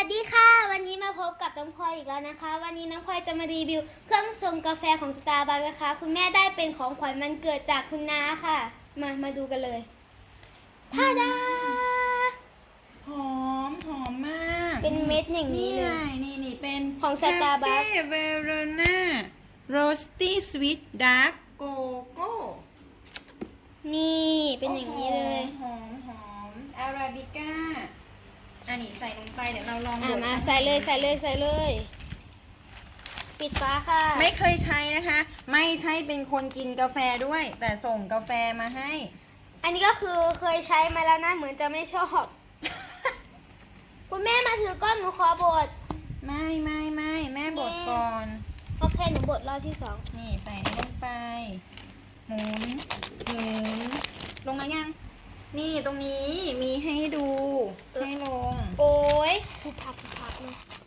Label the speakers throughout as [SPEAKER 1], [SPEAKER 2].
[SPEAKER 1] วัสดีค่ะวันนี้มาพบกับน้องพลอยอีกแล้วนะคะวันนี้น้องพลอยจะมารีวิวเครื่องชงกาแฟของ Starbucks นะคะคุณแม่ได้เป็นของขวัญวันเกิดจากคุณน้าค่ะมาดูกันเลยท่าดา
[SPEAKER 2] หอมมาก
[SPEAKER 1] เป็นเม็ดอย่างนี้เลย
[SPEAKER 2] นี่เป็น
[SPEAKER 1] ของ Starbucks
[SPEAKER 2] คาเฟ่เวโรนาโรสตี้สวีทดาร์กโกโก้
[SPEAKER 1] นี่เป็นอย่างนี้เลย
[SPEAKER 2] หอมอาราบิก้าอันนี้ใส่ลงไปเดี๋ยวเราลองบด
[SPEAKER 1] มาใส่เลยปิดฟ้าค่ะ
[SPEAKER 2] ไม่เคยใช้นะคะ ไม่ใช่เป็นคนกินกาแฟด้วย แต่ส่งกาแฟมาให้
[SPEAKER 1] อันนี้ก็คือเคยใช้มาแล้วนะเหมือนจะไม่ชอบ คุณแม่มาถือก้อนหนูขอบด
[SPEAKER 2] ไม่แม่บดก่อน
[SPEAKER 1] โอเคหนูบดรอบที่สอง
[SPEAKER 2] นี่ใส่ลงไปหมุนลงมายัง นี่ตรงนี้มีให้ดูให้ลง
[SPEAKER 1] โอ้ยผูกพักเลย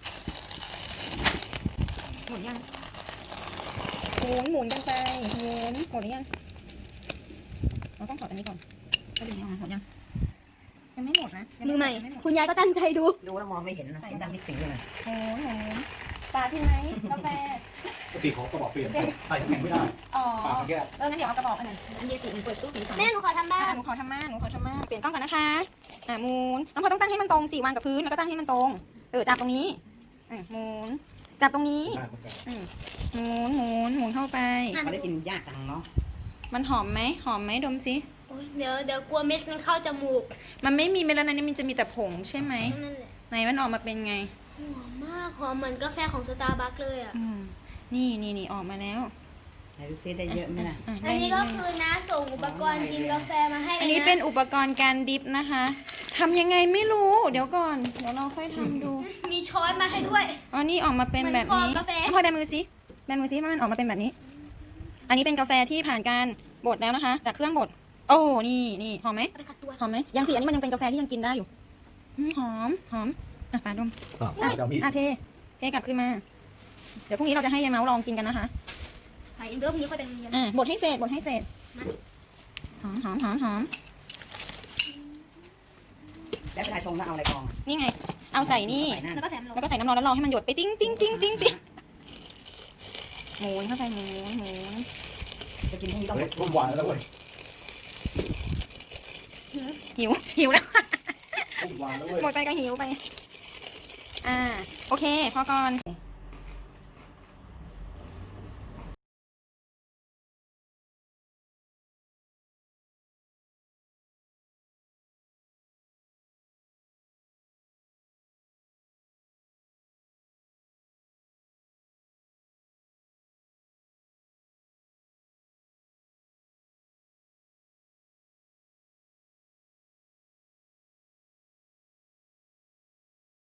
[SPEAKER 2] หมุนยังหมุนกันไปหมุนหมดหรือยังเราต้องถอดอันนี้ก่อนก็ดึงออกมาหมดยังไม่หมดนะ
[SPEAKER 1] มือใหม่คุณยายก็ตั้งใจดู
[SPEAKER 3] ดูแล้วมองไม่เห็นนะดำมิดสีเลย
[SPEAKER 2] หมุนปลาที่ไหมกาแฟ
[SPEAKER 4] ปกติของกระบอกเปลี่ยนใส่น้ำแข็งไม่ได้
[SPEAKER 2] อ๋อ
[SPEAKER 4] ปากแก้ว
[SPEAKER 2] งั้นเดี๋ยวเอากระบอกอันนั้น
[SPEAKER 3] อันเดียวติดเปิดตู้สีขาว
[SPEAKER 1] แม่หนูขอทำบ้าน
[SPEAKER 2] หนูขอทำม่านเปลี่ยนกล้องก่อนนะคะหมุนน้องพอต้องตั้งให้มันตรงสิวางกับพื้นแล้วก็ตั้งให้มันตรงจับตรงนี้หมุนจับตรงนี้
[SPEAKER 4] ได้เหมือนกัน
[SPEAKER 2] หมุนเข้าไป
[SPEAKER 3] มันได้กินยากจังเนาะ
[SPEAKER 2] มันหอมไหมดมสิ
[SPEAKER 1] โอ้ยเดี๋ยวกลัวเม็ดมันเข้าจมูก
[SPEAKER 2] มันไม่มีเมลานินมันจะมีแต่ผงใช่ไหม
[SPEAKER 1] นั่นแหละ
[SPEAKER 2] ไหนมันออกมาเป็นไง
[SPEAKER 1] หอมมากหอมเหมือนกาแฟของสตาร์บัคเลยอ่ะ
[SPEAKER 2] นี่ออกมาแล้ว
[SPEAKER 3] ไหนดูซิได้เยอะไหมล่ะ
[SPEAKER 1] อันนี้ก็คือน้าส่งอุปกรณ์กินกาแฟมาให้เลยนะ
[SPEAKER 2] อันนี้เป็นอุปกรณ์การดิฟนะคะทำยังไงไม่รู้เดี๋ยวก่อนเดี๋ยวเราค่อยทำดู
[SPEAKER 1] มีช้อนมาให้ด้วย
[SPEAKER 2] อ๋อนี่ออกมาเป็นแบบนี้
[SPEAKER 1] เหมือนคอกาแฟ
[SPEAKER 2] พลอยแบมือสิว่ามันออกมาเป็นแบบนี้ อันนี้เป็นกาแฟที่ผ่านการบดแล้วนะคะ จากเครื่องบดโอ้นี่หอมไหม
[SPEAKER 1] เอาไปขัดตัว
[SPEAKER 2] หอมไหมยังสิอันนี้มันยังเป็นกาแฟที่ยังกินได้อยู่หอมปาดม
[SPEAKER 4] เดี๋ยวมี
[SPEAKER 2] เทกลับขึ้นมา เดี๋ยวพรุ่งนี้เราจะให้ยายเมาส์ลองกินกันนะคะ
[SPEAKER 1] ไผ่อินเดิมนี้เขาจะมีกัน
[SPEAKER 2] บดให้เสร็จหอม
[SPEAKER 3] แล้วเวลาชงแล้วเอาอะไรกรอง
[SPEAKER 2] นี่ไง เอาใส่นี่
[SPEAKER 1] แล้วก็แสมลง
[SPEAKER 2] แล้วก็ใส่น้ำร้อนแล้วรอให้มันหยดไปติ้งหมุนเข้าไปหมุน
[SPEAKER 3] จะกินพรุ่งนี้ต้อง
[SPEAKER 4] เฮ้ยรุ่นหวานแล้วเว้ย
[SPEAKER 2] หิวแล้ว
[SPEAKER 4] รุ่นหวานแล้วเว้ย
[SPEAKER 2] หมดไปก็หิวไปโอเคพอก่อน